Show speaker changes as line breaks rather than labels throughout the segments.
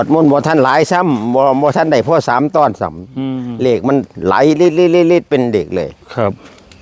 มันบ่ทันหลายซ้ำบ่ทันได้พอ3 ตอนซ้ำเลขมันไหลลิดเป็นเด็กเลย
ครับ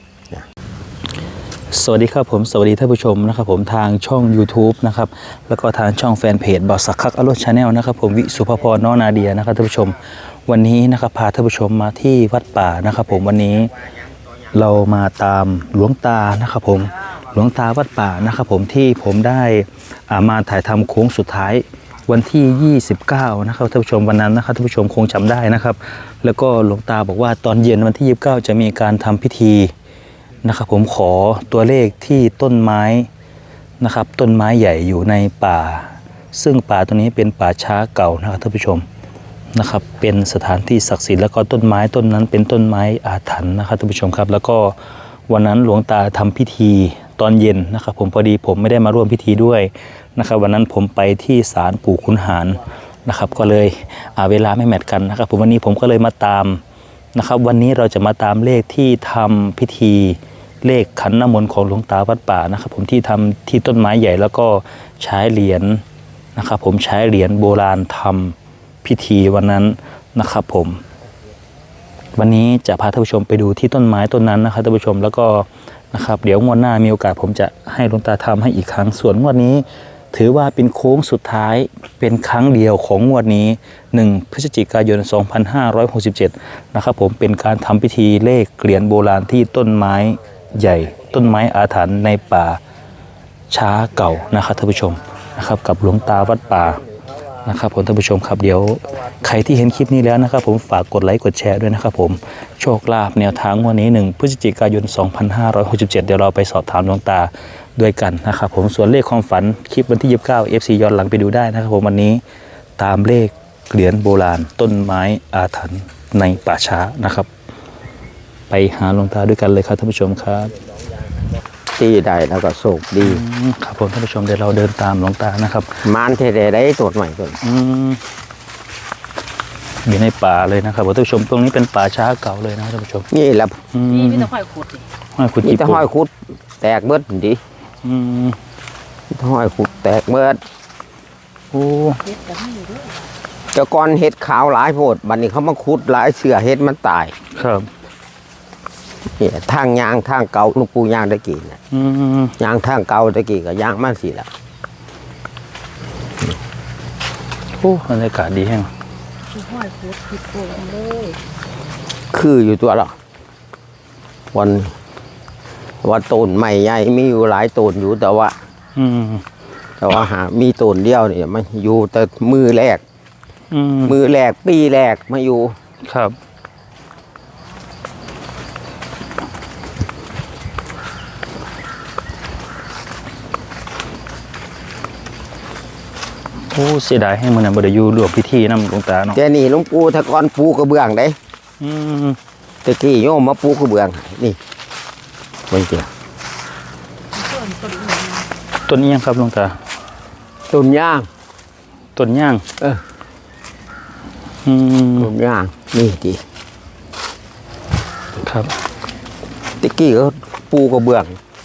สวัสดีครับผมสวัสดีท่านผู้ชมนะครับผมทางช่อง YouTube นะครับแล้วก็ทางช่องแฟนเพจบ่าวสักคักอรรถชาแนลนะครับผมวิสุภพรน้องนาเดียนะครับท่านผู้ชมวันนี้นะครับพาท่านผู้ชมมาที่วัดป่านะครับผมวันนี้เรามาตามหลวงตานะครับผมหลวงตาวัดป่านะครับผมที่ผมได้มาถ่ายทำโค้งสุดท้ายวันที่29นะครับท่านผู้ชมวันนั้นนะครับท่านผู้ชมคงจำได้นะครับแล้วก็หลวงตาบอกว่าตอนเย็นวันที่29จะมีการทำพิธีนะครับผมขอตัวเลขที่ต้นไม้นะครับต้นไม้ใหญ่อยู่ในป่าซึ่งป่าตัวนี้เป็นป่าช้าเก่านะครับท่านผู้ชมนะครับเป็นสถานที่ศักดิ์สิทธิ์แล้วก็ต้นไม้ต้นนั้นเป็นต้นไม้อาถรรพ์นะครับท่านผู้ชมครับแล้วก็วันนั้นหลวงตาทำพิธีตอนเย็นนะครับผมพอดีผมไม่ได้มาร่วมพิธีด้วยนะครับวันนั้นผมไปที่ศาลปู่ขุนหารนะครับก็เลยเวลาไม่แมทกันนะครับผมวันนี้ผมก็เลยมาตามนะครับวันนี้เราจะมาตามเลขที่ทำพิธีเลขขันน้ำมนต์ของหลวงตาวัดป่านะครับผมที่ทำที่ต้นไม้ใหญ่แล้วก็ใช้เหรียญนะครับผมใช้เหรียญโบราณทำพิธีวันนั้นนะครับผมวันนี้จะพาท่านผู้ชมไปดูที่ต้นไม้ต้นนั้นนะครับท่านผู้ชมแล้วก็นะครับเดี๋ยวงวดหน้ามีโอกาสผมจะให้หลวงตาทำให้อีกครั้งส่วนงวดนี้ถือว่าเป็นโค้งสุดท้ายเป็นครั้งเดียวของงวดนี้1 พฤศจิกายน 2567นะครับผมเป็นการทำพิธีเลขเหรียญโบราณที่ต้นไม้ใหญ่ต้นไม้อาถรรพ์ในป่าช้าเก่านะครับท่านผู้ชมนะครับกับหลวงตาวัดป่านะครับผมท่านผู้ชมครับเดี๋ยวใครที่เห็นคลิปนี้แล้วนะครับผมฝากกดไลค์กดแชร์ด้วยนะครับผมโชคลาภแนวทางวันนี้1 พฤศจิกายน 2567เดี๋ยวเราไปสอบถามหลวงตาด้วยกันนะครับผมส่วนเลขความฝันคลิปวันที่29 FC ย้อนหลังไปดูได้นะครับผมวันนี้ตามเลขเหรียญโบราณต้นไม้อาถรรพ์ในป่าช้านะครับไปหาหลวงตาด้วยกันเลยครับท่านผู้ชมครับ
ตีได้แล้วก็โศกดี
ครับผมท่านผู้ชมเดี๋ยวเราเดินตามหลวงตานะครับ
มานเทเดได้ตรวจใหม่ก่อน
อยู่ในป่าเลยนะครับท่านผู้ชมตรงนี้เป็นป่าช้าเก่าเลยนะท่านผู้ชม
นี่แหละ
นี่มีแต่ห้อยขุด
ห้อยขุด
มีแต่ห้อยขุดแตกเบิดดิห้อยขุดแตกเบิด
โอ้
เจ้าก้อนเห็ดขาวหลายโพดบัดนี้เขามาขุดหลายเสือเห็ดมันตาย
ครับ
เนี่ยทางยางทางเก่าลูกปูยางตะกี้เนี่ยยางทางเก่าตะกี้กับยางมันสิละ
โอ้บรรยากาศดีแห้ง
ห้อยขุดผิดโผล่เลย
คืออยู่ตัวหรอวันต้นใหม่ใหญ่มีอยู่หลายต้นอยู่แต่ว่าหามีต้นเดียวเนี่ยมันอยู่แต่มือแรกปีแรกมาอยู่
ครับโอ้เสียดายให้มันบ่ได้อยู่ร่วมพิธีนำหลวงตาเนาะ
แต่นี่หลวงปู่ถ้าก่อนปูกระเบื้องได้ตะกี้โยมมาปูกระเบื้องนี่มันเกี่ยว
ต้นนี้ยังครับหลวงตา
ต้นย่าง
ต้นย่าง
ต้นย่างนี่ดิ
ครับ
ตะกี้ก็ปูกระเบื้อง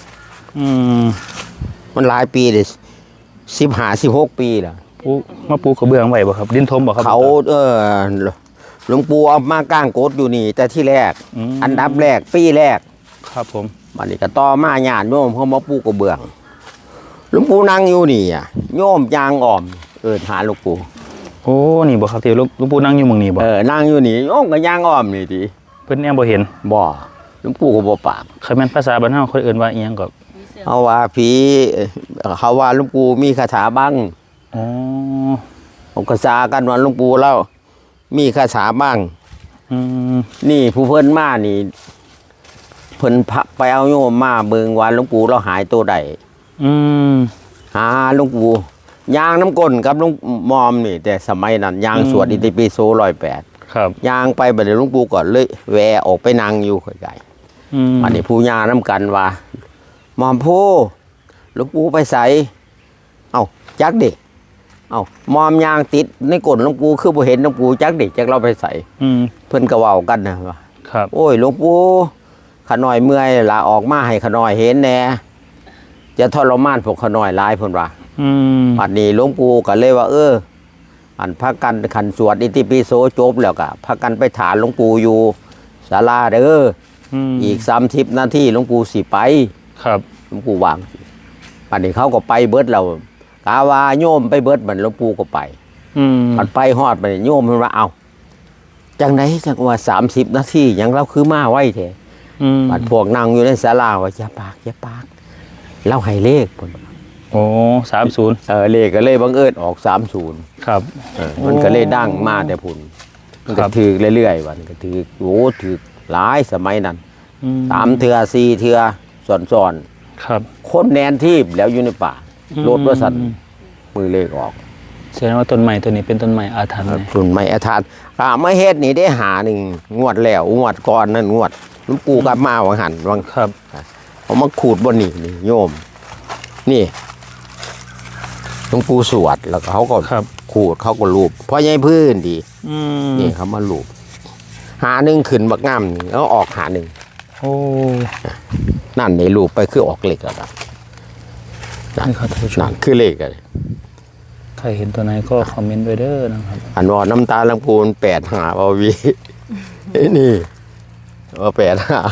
มันหลายปีเลย15-16 ปีแล้ว
มาปูกระเบื้องไว้บ่ครับดินทมบ่ครับ
เขาหลวงปู่เอามากางโกดอยู่นี่แต่ที่แรกอันดับแรกปีแรก
ครับผม
บัดนี้ก็ต่อมาญาติโยมเขามาปูกระเบื้องหลวงปู่นั่งอยู่นี่อ่ะโยมยางอ่อมหาหลวงปู่
โอ้นี่บ่ครับที่หลวงปู่นั่งอยู่มึงนี่บ่
นั่งอยู่นี่โยมก็ยางอ่อมนี่ดิ
เพิ่นแอบบ่เห็น
บ่หลวงปู่ก็บ่ปาก
คันแม่นภาษาบ้านเฮาเขาเอิ้นว่าอีหยังก็
เอาว่าผีเขาว่าหลวงปู่มีคาถาบ้างผมก็ซากันว่าหลวงปู่แล้วมีคาถาบ้างนี่ผู้เพิ่นมานี่เพิ่นไปเอาโยมมาเบิ่งว่าหลวงปู่เราหายตัวใดหาหลวงปู่ยางน้ำก้นกับหลวงมอมนี่แต่สมัยนั้นยางสวดอิติปิโส108
ครับ
ยางไปบัดนี้หลวงปู่ก็เลยแวออกไปนั่งอยู่ไกลๆอันนี้ผู้ญาน้ำกันว่ามอมผู้หลวงปู่ไปใส่เอ้าจักเด็กเอ้ามอมยางติดในก้นหลวงปู่คือบ่เห็นหลวงปู่จักเด็กจักเราไปใส่เพิ่นก็เว้ากันนะว่า
ครับ
โอ้ยหลวงปู่ขน้อยเมื่อยลาออกมาให้ขน้อยเห็นแน่จะทรมานพวกขน้อยหลายเพิ่นว่าบัดนี้หลวงปู่ก็เลยว่าอันพากันขันสวดอิติปิโสจบแล้วก็พากันไปถามหลวงปู่อยู่ศาลาเด้ออีก30 นาทีหลวงปู่สิไป
ครับ
หลวงปู่วางปันนี้เขาก็ไปเบิดเรากาวาโยมไปเบิดมันหลวงปู่ก็ไปปันไปฮอดไปโยมมันว่าเอาจังไหนจังว่า30 นาทียังเราคือมาไว้แท้ปันพวกนั่งอยู่ในศาลาว่าอย่าปากเราให้เลขพุ่น
โอ้30
เลขก็เลยบังเอิญออก30
ครับ
มันก็เลยดังมาแต่พุ่นมันก็ถือเรื่อยๆวันก็ถือโอ้ถือหลายสมัยนั้น3 เทื่อ4 เทื่อซ้อน
ครับ
คนแนนที่แล้วอยู่ในป่ารถว่าสันมือเลขออก
แสดงว่าต้นไม้ตัวนี้เป็นต้นไม้อาถรรพ์เลย
ฝุ่นไม่อาทานไม่เฮ็ดนี่ได้หาหนึ่งงวดแล้วงวดก่อนนั่นงวดหลวงปู่กลับมาวังหันวัง
ครับ
เอามาขูดบนนี่โยมนี่หลวงปู่สวดแล้วเขาก็ขูดเขาก็ลูบเพราะยัยพื้นดีนี่เขามาลูบหาหนึ่งขึ้นบักงามนี่แล้วออกหาหนึ่ง
โอ้
นั่นในลูบไปคือออกเหล็กแล้วนะ
นี่ครับท่านผู้ช
นั่
ม
นคือเหล็กเลย
ใครเห็นตัวไหนก็คอมเมนต์ไว้เด้อนะครับ
อันว่าน้ำตาลำพูน8 หาบาวีนี่ว่า8 หา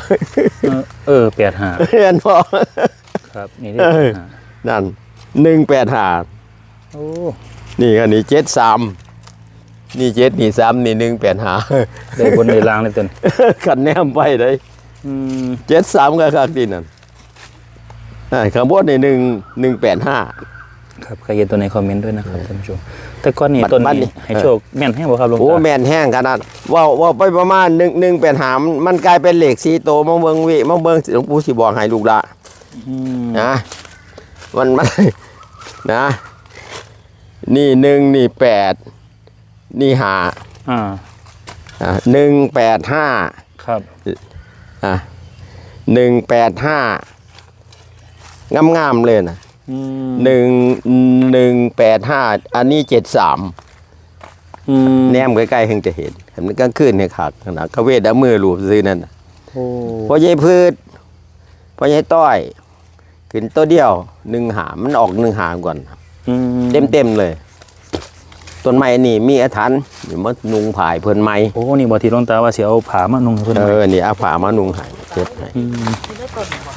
85
เรียนพอ
ครับนี่ที่85
นั่น185
โอ้
นี่อันนี้73นี่7นี่3นี่185
ได้บนในล่างเลยตัวนี้
ขันแนมไปเลย73ก็คักดีนั่นข้างบนนี่185
ครับใครเห็นตัวไหนคอมเมนต์ด้วยนะครับท่านผู้ชมแต่ก้อนนี้
บัด
ต้น
บัด
นี้
นี่
ให้โชคแม่นให้บ่ครับหลวง
โอ้
ตา
แม่นแห้งขนาดว่าไปประมาณ185มันกลายเป็นเหล็ก4โตมาเบิ่งหลวงปู่สิบอกให้ลูกละนะมันนะนี่1นี่8นี่5 185
ครับ
185งามๆเลยนะ185อันนี้73แนมใกล้ๆเพิ่งจะเห็นมันกลางคืนเนี่ยขาดขนาดเขาเวทเอามือลูบซื้อนั่นน่ะ
โอ้
พอยายพืชพอยายต้อยขึ้นตัวเดียว1 หามันออก1 หาก่อนเต็มเลยต้นไม้นี่มีอาถรรพ์อยู่มานุงผายเพิ่นไม้
โอ้นี่บ่ที่หลวงตาว่าสิเอาผ้ามานุ่งให้เพิ่น
นี่เอาผ้ามานุงให้เจ็บให้
ที่ได้ต้นบ่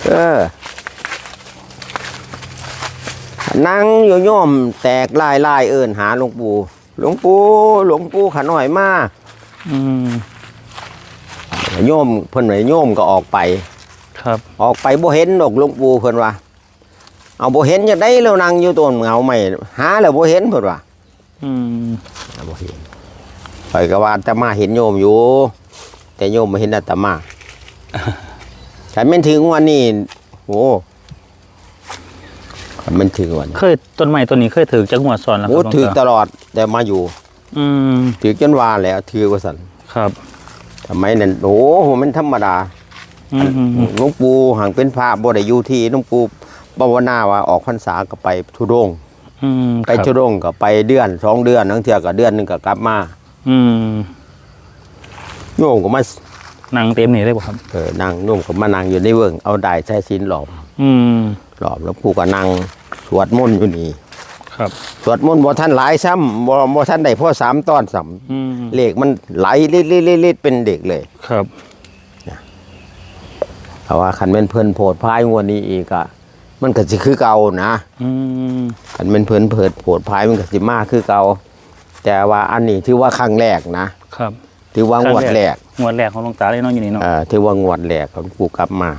นั่งอยู่โยมแตกลายเอิ้นหาหลวงปู่ขาน้อยมาโยมเพิ่นว่าโยมก็ออกไป
ครับ
ออกไปบ่เห็นดอกหลวงปู่เพิ่นว่าเอาบ่เห็นจังได๋แล้วนั่งอยู่ต้นเงาไม้หาแล้วบ่เห็นเพิ่นว่าบ่เห็นข่อยก็ว่าอาตมาเห็นโยมอยู่ แต่โยมบ่เห็นอาตมาถ้าแม่นถึงวันนี้โอ้มันถึงวัน
เคยต้นไม้ต้นนี้เคยถือจักหัวซ้อนแล้วค
โอ้
รับหลวง
ถือต
ตา
ลอดแต่มาอยู่ถือจนว่าแล้วถือว่าซั่น
ครับ
ทำไมนั่นโอ้โหมันธรรมดาหลวงปู่หังเป็นพระบ่ได้อยู่ที่หลวงปู่ภาวนาว่าออกพรรษาก็ไปธุดงค์ไปธุดงค์ก็ไปเดือน2 เดือนทั้งเทื่อก็เดือนนึงก็กลับมาโยมก็มา
นั่งเต็มนี่ได้บ่ครับ
นั่งโยมก็มานั่งอยู่ในเวิงเอาได้ใช้ศีลหลอมหลวงปู่ก็นั่งสวดมนต์อยู่นี่
ครับ
สวดมนต์บ่ทันหลายซ้ำบ่ทันได้พอ3 ตอนซ้ำเลขมันไหลลิดเป็นเด็กเลย
ครับ
เพราะว่าคันเป็นเพิ่นโพดพายงวดนี้อีกอะมันก็สิคือเก่านะคันเป็นเพิ่นโพดพายมันก็สิมาคือเก่าแต่ว่าอันนี้ถือว่าครั้งแรกนะครับ ถือว่างวดแรก
งวดแรกของหลวงตาเลยเนาะอยู่นี่เนาะ
ถือว่างวดแรกของปู่กลับมา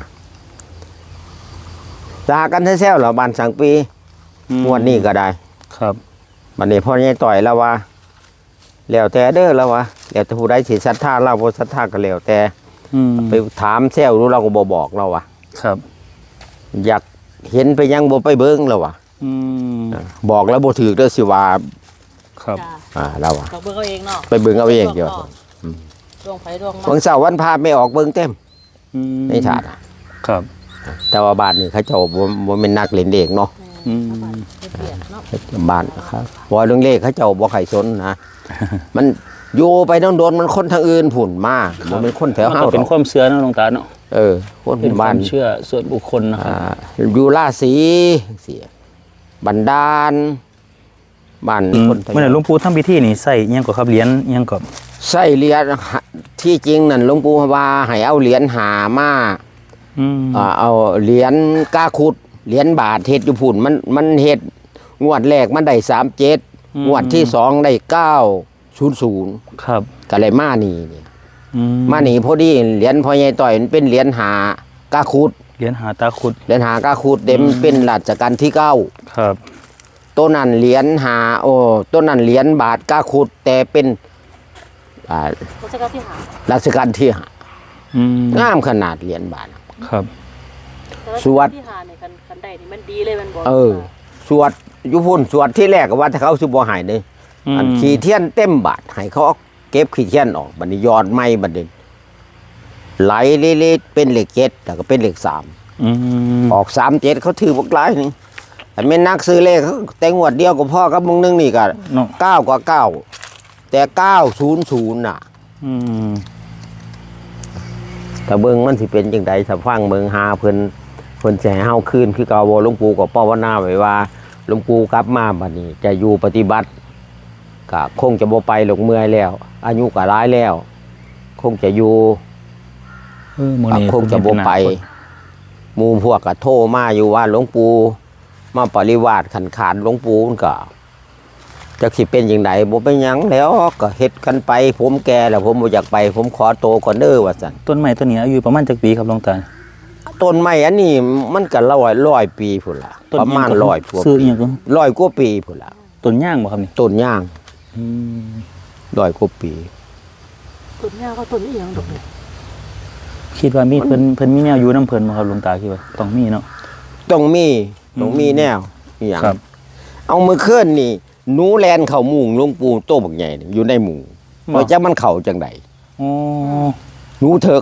ลากันแท้ๆเหรอบ้านสังปีงวดนี้ก็ได้
ครับ
บัดนี้พ่อใหญ่ต่อยแล้วว่าแล้วแต่เด้อแล้วว่าแล้วแต่ผู้ใดสิศรัทธาเราบ่ศรัทธาก็แล้วแต่ไปถามแซวรู้เราก็บ่บอกเราว่ะ
ครับ
อยากเห็นไปยังบ่ไปเบิ่งแล้วว่ะบอกแล้วบ่ถือเด้อสิว่า
ครับ
เราว่ะ
ต้องเบิ่งเอาเองเนาะ
ไปเบิ่งเอาเองเดี๋ยว
ดวงไฟดวงมัน
วันเสาร์วันพาไม่ออกเบิ่งเต็มในถาด
ครับ
แต่ว่าบ้านนี่เขาเจ้าบ่แม่นนักเล่นเลขเนาะ
เปลี่ยนเนาะ
บ้านครับบ่เรื่องเลขเขาเจ้าบ่ใครสนนะ มันอยู่ไปโดนๆมันคนทางอื่นผุ่นมาบ่เป็นคนแถว
มัน
เฮา
ก็เป็นความเชื่อเนาะหลวงตาเนาะ
คน
เป็นค
บ้าว
าน มเชื่อส่วนบุคคลนะครับ
อยู่ราศีเสียบันดาลบ้านคนไทย
เมื่อไหร่หลวงปู่ทำพิธีนี่ใส่อิหยังก็ครับเหรียญอิหยังก็
ใส่เหรียญที่จริงนั่นหลวงปู่ว่าให้เอาเหรียญหามา เอาเหรียญกาขุดเหรียญบาทเฮ็ดอยู่พุ่นมันเฮ็ดงวดแรกมันได้37งวดที่2ได้900
ครับ
ก็เลยมานี่มานี่พอดีเหรียญพ่อใหญ่ต่อยมันเป็นเหรียญหากาขุด
เหรียญหาตาขุด
เหรียญหากาขุดเต็มเป็นรัชกาลที่9
ครับ
ตัวนั้นเหรียญหาตัวนั้นเหรียญบาทกาขุดแต่เป็น
รัชกาลที่5
รัชกาลที่5งามขนาดเหรียญบาท
ครับ
สวด
ที่5นี่คันใดนี่มันดีเลยมันบ่
สวดอยู่พุ่นสวดที่แรกก็ว่าถ้าเขาสิบ่ให้เด้อันขี้เทียนเต็มบาทให้เขาเก็บขี้เทียนออกบัดนี้ยอดไม้บัดนี้ไหลเละๆเป็นเลข7แล้วก็เป็นเลข3ออก37เขาถือบ่หลายนึงแต่แม่นนักซื้อเลขแต่งวดเดียวก็พอกับมึงนึงนี่ก็9กว่า9แต่900น่ะแต่เบิ่งมันสิเป็นจังได๋ถ้าฟังเบิ่งหาเพิ่นสิให้เฮาคืนคือเก่าบ่หลวงปู่ก็ภาวนาไว้ว่าหลวงปู่กลับมาบัดนี้จะอยู่ปฏิบัติก็คงจะบ่ไปหลงเมื่อยแล้วอายุก็หลายแล้วคงจะอยู่คงจะบ่ไปหมู่พวกก็โทรมาอยู่ว่าหลวงปู่มาปริวาสขันขาดหลวงปู่มันก็จักสิเป็นจังไดบ่เป็นหยังแล้วก็เฮ็ดกันไปผมแก่แล้วผมบ่อยากไปผมขอโตก่อนเด้อว่าซั่น
ต้นไม้ต้นนี้อายุประมาณจักปีครับหลวงตา
ต้นไม้อันนี้มันก็ร้อยปีพุ่นล่ะประมาณ100กว่าปี100กว่าปีพุ่นล่ะ
ต้นย่างบ่ครับนี่
ต้นย่าง100กว่าปี
ต้นย่างก็ต้นอีหยังดอกนี่
คิดว่ามีเพิ่นมีแนวอยู่นำเพิ่นบ่ครับหลวงตาคิดว่าต้องมีเนาะ
ต้องมีแนวอีหยังเอามื้อคืนนี่หนูแลนเข้ามุงหลวงปู่โตบักใหญ่อยู่ในมุงบ่จักมันเข้าจังได๋หนูเถิก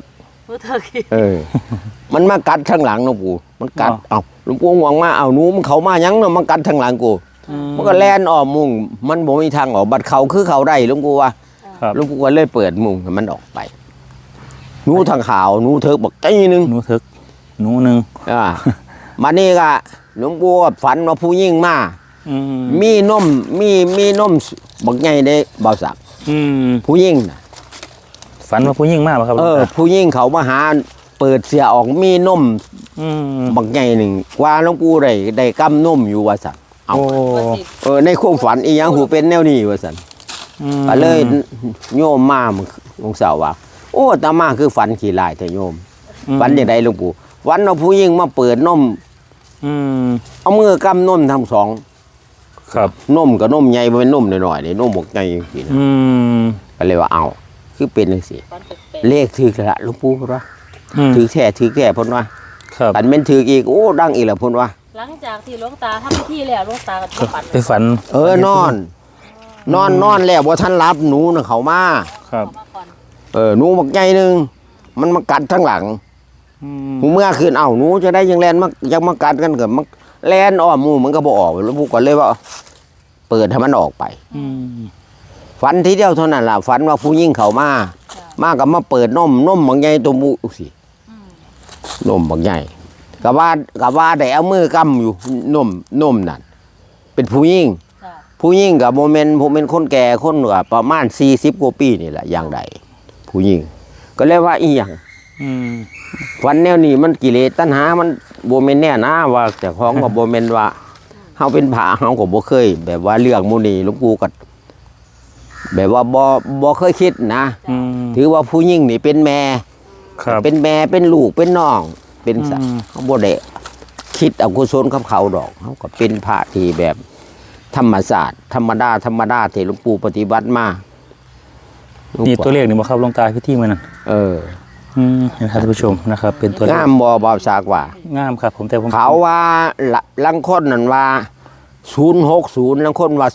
มันมากัดข้างหลังหลวงปู่มันกัดหลวงปู่ห่วงมาหนูมันเข้ามาหยังเนาะมันกัดข้างหลังกูมันก็แล่นอ้อมมุงมันบ่มีทางออกบัดเข้าคือเข้าได้หลวงปู่ว่าหลวงปู่ก็เลยเปิดมุงให้มันออกไปหนูทางขาวหนูเถิกบักตี้นึง
หนูเถิกหนูนึง
มานี่ก็หลวงปู่ฝันว่าผู้หญิงมามีนมบักใหญ่ได้บ่าวสักผู้หญิงน่ะ
ฝันว่าผู้หญิงมาบ่ครับ
ผู้หญิงเขามาหาเปิดเสียออกมีนมบักใหญ่นึงกว่าหลวงปู่ได้กำนมอยู่ว่าซั่นในความฝันอีหยังหูเป็นแนวนี้ว่าซั่นก็เลยโยมมาหลวงสาวว่าโอ้ตามาคือฝันขี้ลายแต่โยมฝันจังได๋หลวงปู่ฝันว่าผู้หญิงมาเปิดนมเอามือกำนมทั้งสอง
ครับ
นมกับนมใหญ่บ่เป็นนมน้อยๆนี่นมบักใหญ่จังซี่นะก็เลยว่าเอาคือเป็นจังซี่เลขถูกแล้วหลวงปู่ว่าถูกแท้เพิ่นว่า
ครับ
อันแม่นถูกอีกโอ้ดังอีกแล้วเพิ่นว่า
หลังจากที่หลวงตาทำพิธีแล้วหลวงตาก็
ไปฝัน
นอนแล้วบ่ทันรับหนูน่ะเข้ามา
ครับ
หนูบักใหญ่นึงมันมากัดทั้งหลังเมื่อคืนหนูจะได้ยังแล่นมายังมากัดกันก็มันแล่นอ้อมหมู่มันก็บ่ออกแล้วปู่ก็เลยว่าเปิดให้มันออกไปฝันทีเดียวเท่านั้นล่ะฝันว่าผู้หญิงเข้ามาก็มาเปิดนมบักใหญ่ตัวมูสินมบักใหญ่ก็ว่าได้เอามือกำอยู่นมนั่นเป็นผู้หญิงก็บ่แม่นคนแก่คนก็ประมาณ40กว่าปีนี่แหละอย่างใดผู้หญิงก็เลยว่าอีหยังฝันแนวนี้มันกิเลสตัณหามันบ่แม่นแน่นะว่าแต่ของก็บ่แม่นว่าเฮาเป็นพระเฮาก็บ่เคยแบบว่าเรื่องหมู่นี้หลวงปู่ก็แบบว่าบ่เคยคิดนะถือว่าผู้หญิงนี่เป็นแม่เป็นแม่เป็นลูกเป็นน้องเป็นสัตว์เฮาบ่ได้คิดอกุศลกับเขาดอกเฮาก็เป็นพระที่แบบธรรมศาสตร์ธรรมดาที่หลวงปู่ปฏิบัติมา
นี่ตัวเลขนี่บ่ครับหลวงตาพิธีมื้อนั้นท่านผู้ชมนะครับเป็นตัว
งามบ่าวสากว่
างามครับผมแต่ผม
เขาว่าลังคนนั่นว่า060ลังคนว่า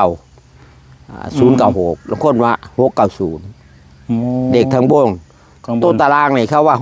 096ลังคนว่า690เด็กทั้งวงตัวตารางนี่เขาว่า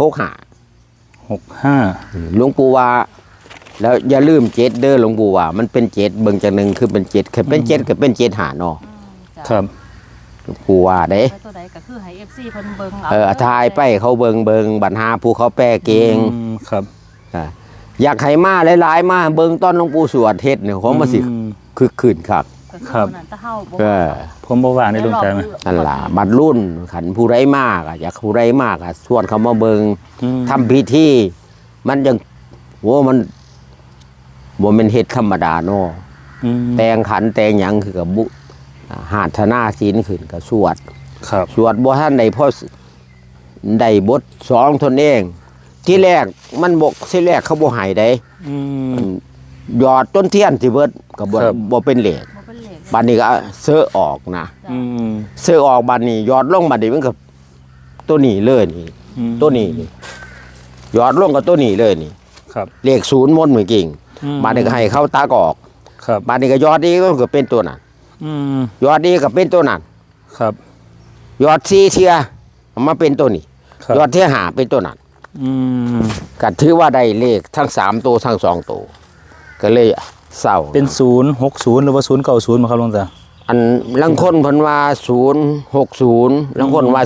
65หลวงปู่ว่าแล้วอย่าลืม7เด้อหลวงปู่ว่ามันเป็น7เบิ่งจังนึงคือเป็น7คือเป็น7ก็เป็น7หาเนาะ
ครับ
กูว่าเด้
ตัวใดก็คือให้ FC เพิ่นเบิ่ง
ทายไปเขาเบิ่งบัดหาผู้เขาแปลเก่ง
ครับ
อยากให้มาหลายๆมาเบิ่งตอนหลวงปู่สวดเทศน์เนี่ยของมาสิคึกคืนครับ
ก็คือ
ครับ
วันนั้นถ้าเฮาบ่
เออ
ผมบ่ว่างได้หลวงตาไหม
นั่นล่ะบัดรุ่นขันผู้ใดมากอยากผู้ใดมากชวนเขามาเบิง
อืม
ทำพิธีมันยังโว้มันบ่แม่นเฮ็ดธรรมดาเนาะ
อืม
แต่งขันแต่งหยังคือกับบุหาธนาศีลขึ้นกับสวด
ครับ
สวดบ่ทันได้พอได้บทสองตนเอง ที่แรกมันบกที่แรกเขาบ่ให้ได้
อืม
หยอดต้นเทียนสิเบิดก็บ่
ครับ
บ่เป็นเลข
บ่เป็นเหล็ก
บัดนี้ก็เสื้อออกนะ
อืม
เสื้อออกบัดนี้หยอดลงบัดนี้มันก็ตัวนี้เลยนี่
อืม
ตัวนี้นี่หยอดลงกับตัวนี้เลยนี่
ครับ
เลขศูนย์มนต์เหมือนกิ่ง
อืม
บัดนี้ก็ให้เขาตากออก
ครับ
บัดนี้ก็หยอดอีกก็คือเป็นตัวนั้น
อืม
หยอดอีกก็เป็นตัวนั้น
ครับ
หยอด4เที่ยเอามาเป็นตัวนี้
ครับ
ยอดเที่ยหาเป็นตัวนั้น
อืม
ก็ถือว่าได้เลขทั้ง3ตัวทั้ง2ตัวก็เลยเศร้า
เป็น060หรือว่า090มาครับหลวงตา
อันลังคนเพิ่นว่า060ลังคนว่า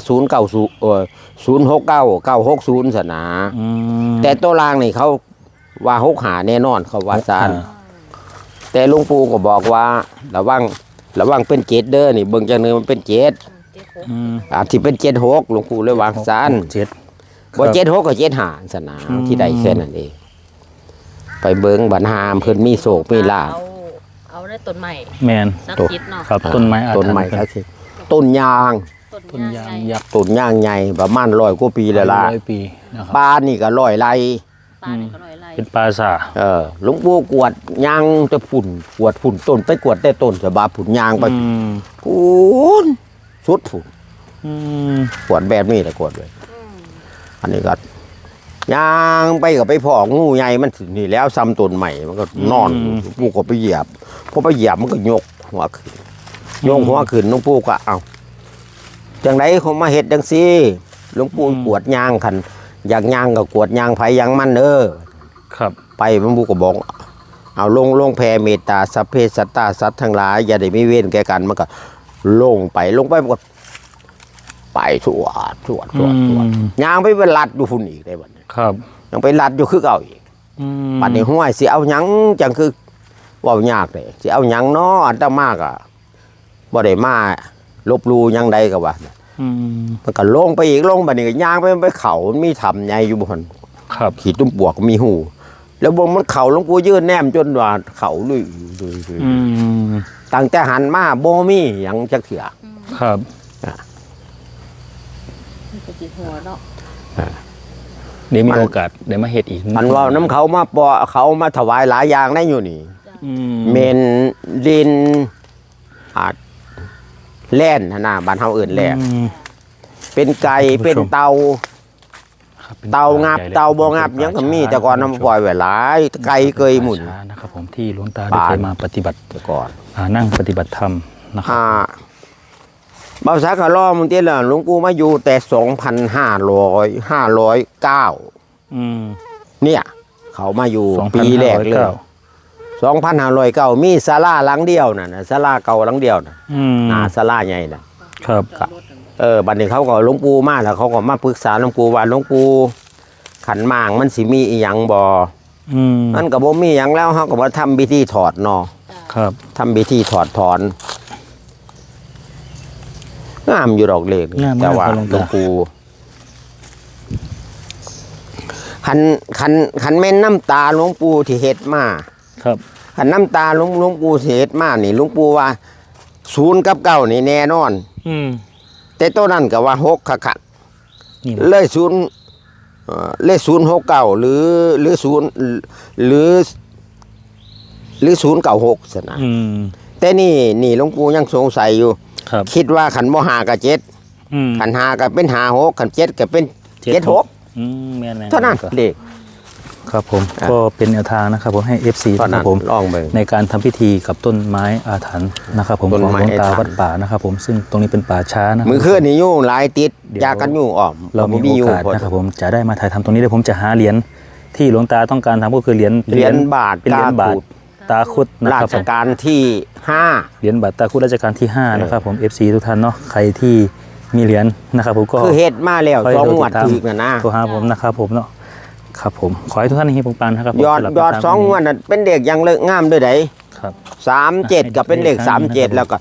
090 069 960ซะนะ
อืม
แต่ตัวล่างนี่เขาว่า6หาแน่นอนเขาว่าซานแต่หลวงปู่ก็บอกว่าระวังเป็น7เด้อนี่เบิ่งจังนึงมันเป็น7
เจ็ดหก
อืม
อาจสิเป็น76หลวงปู่เลยวางซาน
เจ็ด
บ่76ก็75ซะนะที่ได้แค่นั้นเองไปเบิ่งบัดหามเพิ่นมีโศกมีลาภ
เอาได้ต้นใหม่
แมน
สักชิดเนาะ
ครับต้นไม้อาถรรพ์
ต้นไม้ครับต้นยาง
ต้นยางยักษ์
ต้นยางใหญ่ประมาณ100กว่าปีแล้วล่ะ
100 ปีนะครับ
ปลานี่ก็100ไร่
ปลานี่ก็ลอยไล่
เป็นปราสาท
หลวงปู่กวดยางจะฝุ่นกวดฝุ่นต้นไปกวดแต่ต้นสบาฝุ่นยางไป
อืม
ฝุ่นสุดฝุ่น
อืม
กวดแบบนี้แหละกวดเลย
อืม
อันนี้ก็ยางไปก็ไปพองูใหญ่มันสินี่แล้วซ้ำต้นใหม่มันก็นอนหลวงปู่ก็ไปเหยียบพอไปเหยียบมันก็ยกหัวขึ้นยกหัวขึ้นหลวงปู่ก็เอาจังไดเขามาเฮ็ดจังซี่หลวงปู่กวดยางคันอยากยางก็กวดยางไผยางมัน
ครับ
ไปหลวงปู่ก็บอกเอาลงแผ่เมตตาสัพเพสัตตาสัตว์ทั้งหลายอย่าได้มีเวรแก่กันมันก็ลงไปมันก็ไปสวดยางไปเป็นลัดอยู่พุ่นอีกได้บัดนี้
ครับ
ยังไปลัดอยู่คือเก่าอีก
อืม
ปัดนี้ห้วยสิเอาหยังจังคือเว้ายากเลยสิเอาหยังน้ออันตมากอ่ะบ่ได้มาลบหลู่หยังใดก็ว่า
อืม
มันก็ลงไปอีกลงบัดนี้ก็ย่างไปเขามันมีถ้ำใหญ่อยู่บ่หั่น
ครับ
ขีดตุ้มปวกมีหู แล้วบ่มันเขาหลวงปู่ยืนแนมจนว่าเขาลุย
อืม
ตั้งแต่หันมาบ่มีหยังจักเถื่อ
ครับ
นี่ก็สิหัวเนาะ
เดี๋ยวมีโอกาสเดี๋ยวมาเฮ็ดอีก
อันว่าน้ำเขามาปอเขามาถวายหลายอย่างได้อยู่นี่
อืม
เมนดินอาจแล่นหั่นน่ะบ้านเฮาเอิ้นแล่น
อืม
เป็นไก่เป็นเตา
ครับป็น
เตางับ
ใหญ่ลย
เตาบ่งับหยังก็มีแต่ก่อนน้ำปล่อยไว้หลายไก่เกยหมุน
ป่าช้านะครับผมที่หลวงตาได้เคยมาปฏิบัติ
แต่ก่อน
นั่งปฏิบัติธรรมนะครับ
บ่าวสากะล้อมึงติล่ะหลวงปู่มาอยู่แต่509
อืม
เนี่ย เขามาอยู่
2509
ปีแรกเลย2509มีศาลาหลังเดียวน่ะศาลาเก่าหลังเดียวน่ะ
อืม
ศาลาใหญ่น่ะ
ครับ
บัดนี้เขาก็หลวงปู่มาแล้วเขาก็มาปรึกษาหลวงปู่ว่าหลวงปู่ขันหมางมันสิมีอีหยังบ่
อืม
มันก็บ่มีหยังแล้วเฮาก็บ่ทำพิธีถอดเนาะ
ครับ
ทำพิธีถอดถอนงามอยู่ดอกเลขนี่
งามมาก
แต่ว่า
ครับหลวง
หลว
ตา
งปู่คันแม่นน้ำตาหลวงปู่ที่เฮ็ดมา
ครับ
คันน้ำตาหลวงปู่ที่เฮ็ดมานี่หลวงปู่ว่า0กับ9นี่แน่นอน
อืม
แต่ตัวนั้นก็ว่า6คัก
นี่
ๆเลยเลข069หรือ096ซะนะ
อืม
แต่นี่หลวงปู่ยังสงสัยอยู่
ครับ
คิดว่าขันบ่หากับ7
อืม
ขันหาก็เป็น56ขัน7ก็เป็น76
อืมแม่นๆ
เท่านั้นเลข
ครับผม
อ่ะ
ก็เป็นแนวทางนะครับผมให้ FC
เท่า
นะค
นั้
รั
น
บผม
ลองเบิ่ง
ในการทำพิธีกับต้นไม้อาถรรพ์นะครับผม
ต้น
ของ
ไม้
หลวงตา
อาถรรพ์
วัดป่านะครับผมซึ่งตรงนี้เป็นป่าช้านะ
มือคืนนี่ยุ่งหลายติด
เดี๋ยว
ยากันยุ่งออม
เรามี
ยุ่
โอกาส
พอ
นะครับผมจะได้มาถ่ายทำตรงนี้เดี๋ยวผมจะหาเหรียญที่หลวงตาต้องการทำก็คือเหรียญ
เหรียญบาท
เป็นเหรียญบาท
ตาขูด
ตาคุดนะ
รา
ครับ
ช
ผม
การที่
เหรียญบาทตาคุดราชการที่5นะครับผม FC ทุกท่านเนาะใครที่มีเหรียญนะครับผมก็
5คือเฮ็ดมาแล้ว
ขอให้
2งวด
ติดตาม
ถึกน่ะนะ
โทรหาผมนะครับผมเนาะครับผมขอให้ทุกท่านเฮงปังๆนะครับผม
ยอด
สำหรับ
ยอด
แนวทาง
2งวดน่ะเป็นเด็กยังเลิกงามด้วยได
ครับ
37ก็เป็นเลข37แล้วก็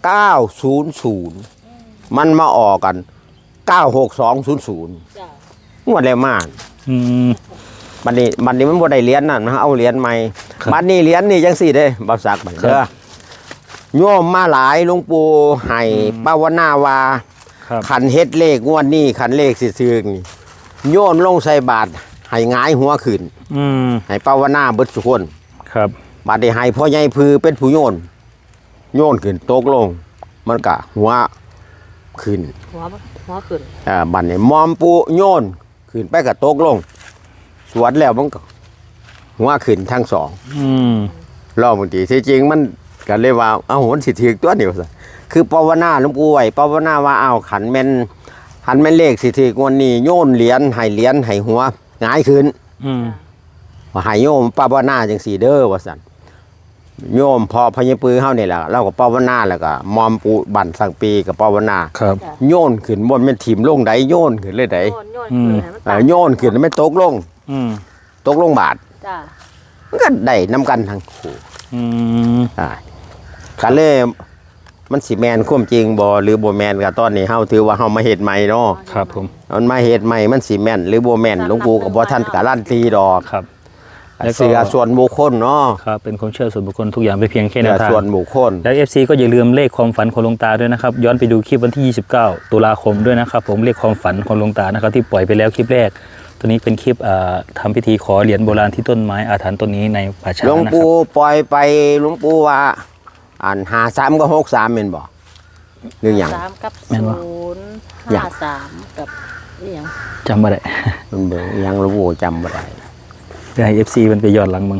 900มันมาออกกัน96200
จ้ะ
งวดแล้วมาก
อืม
บัดนี้มันบ่ได้เหรียญนั่นนะเอาเหรียญใหม่
ครับ
บัดนี้เหรียญนี่จังซี่เด้บ่ซักบัดเด้อโยมมาหลายหลวงปู่ให้ภาวนาว่า
ครับ
ขันเฮ็ดเลขงวดนี้ขันเลขสิซื้อนี่โยนลงใส่บาตรให้หงายหัวขึ้น
อืม
ให้ภาวนาเบิดทุกคน
ครับ
บาดนี้ให้พ่อใหญ่พือเป็นผู้โยนขึ้นตกลง มันก็หัวขึ้น
หัวขึ้น
บัดนี้มอมปูโยนขึ้นไปก็ตกลง สวดแล้วมันก็หัวขึ้นทั้งสอง
อืม
รอบบางทีที่จริงมันก็เลยว่าเอาหันสิถือตัวเดียวซะคือภาวนาหลวงปู่ไว้ภาวนาว่าเอาขันแม่นเลขสิถือกวันนี้โยนเหรียญให้หัวหงายขึ้น
อืม
ว่าให้โยมภาวนาจังสีเด้อว่าซั่นโยมพอพญปือเฮานี่แหละเราก็ภาวนาแล้วก็มอมปูบั่นสังปีกับภาวนา
ครับ
จ้ะ
โยนขึ้นบนแม่นถิ่มลงใดโยนขึ้นเลยใด
โยนขึ้นให้มันต่าง
โยนขึ้นไม่ตกลง
อืม
ตกลงบาท
จ้ะ
มันก็ได้นํกันทั้งคู่
อืม
ก็เลยมันสิแมนความจริงบ่หรือบ่แมนก็ตอนนี้เฮาถือว่าเฮามาเฮ็ดใหม่เนาะ
ครับผม
มันมาเฮ็ดใหม่มันสิแม่นหรือบ่แม่นหลวงปู่ก็บ่ทันการันตีดอก
ครับ แล้วก็
เสือส่วนบุคคลเนาะ
ครับเป็นความเชื่อส่วนบุคคลทุกอย่างเป็นเพียงแค่แน
เสื
ว
อ
ทาง
ส่วนบุคคล
แล้ว FC ก็อย่าลืมเลขความฝันของหลวงตาด้วยนะครับ ย้อนไปดูคลิปวันที่ 29 ตุลาคมด้วยนะครับ ผมเลขความฝันของหลวงตานะครับที่ปล่อยไปแล้วคลิปแรก ตัวนี้เป็นคลิปทำพิธีขอเหรียญโบราณที่ต้นไม้อาถรรพ์ต้นนี้ในป่าช้า
หลวง
นะครั
ปู่
บ
ปล่อยไปหลวงปู่ว่า53กับ63แม่นบ่หรือหยัง
3กับ
แม่นบ่
0
อย่าง
53กับอีหยัง
จำไม่ได้
มันเบิ่งอิหยังหลวงปู่จำบ่ได้
เพื่อให้ FC มันไปย้อนหลังมึง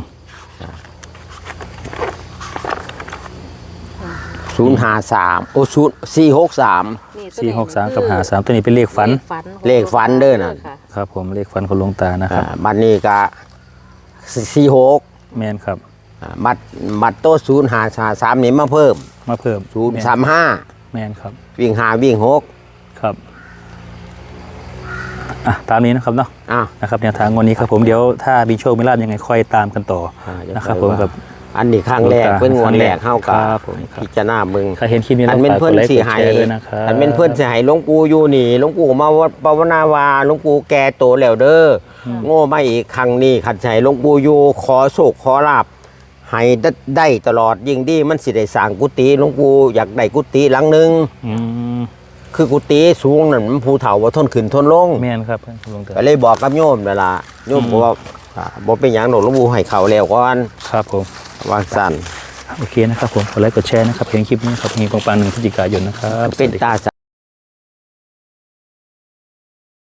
053โอ้463
นี่ตัวนี้
463กับ53ตัวนี้เป็นเลขฝัน
เลขฝันเด้อน่ะ
ค่ะ
ครับผมเลขฝันของหลวงตานะครับ
บัดนี้ก็46
แมนครับ
บัดโต053นี่มาเพิ่ม
มาเพิ่ม
035
แมนครับ
วิ่ง5วิ่ง6
ครับตามนี้นะครับเนาะ
อ้าว
นะครับแนวทางวันนี้ครับผมเดี๋ยวถ้ามีโชคมีลาภยังไงค่อยตามกันต่อนะครับผมกับ
อันนี้ครั้งแรกเป็นงวดแรกเฮากับ
ครับผมครับ
พิจารณาเบิ่ง
ใครเห็นคลิปนี้
อั
แล้
น
ว
เป็น
ฝาก
เพิ่
ก
น
ดไลค์
สิ
กด
ให้
แชร์ด้วยนะครับ
อันเป็นเพิ่นสิให้หลวงปู่อยู่นี่หลวงปู่มาภาวนาว่าหลวงปู่แก่โตแล้วเด้ออโง่มาอีกครั้งนี้ขัดใจหลวงปู่อยู่ขอโชคขอลาภให้ได้ตลอดยิ่งดีมันสิได้สร้างกุฏิหลวงปู่อยากได้กุฏิหลังหนึง
อืม
คือกุฏิสูงนั่นมันภูเฒ่าบ่ทนขึ้นทนลง
แมนครับหลวงตา
ก็เลยบอกกับโยมนั่นล่ะโยมบอกว่าบ่เป็นหยังดอกหลวงปู่ให้เข้าแล้วก่อน
ครับผม
ว่าซั่น
โอเคนะครับผมกดไลค์กดแชร์นะครับเพียงคลิปนี้ครับมีปังๆ1 พฤศจิกายนนะครับ
เป็นตา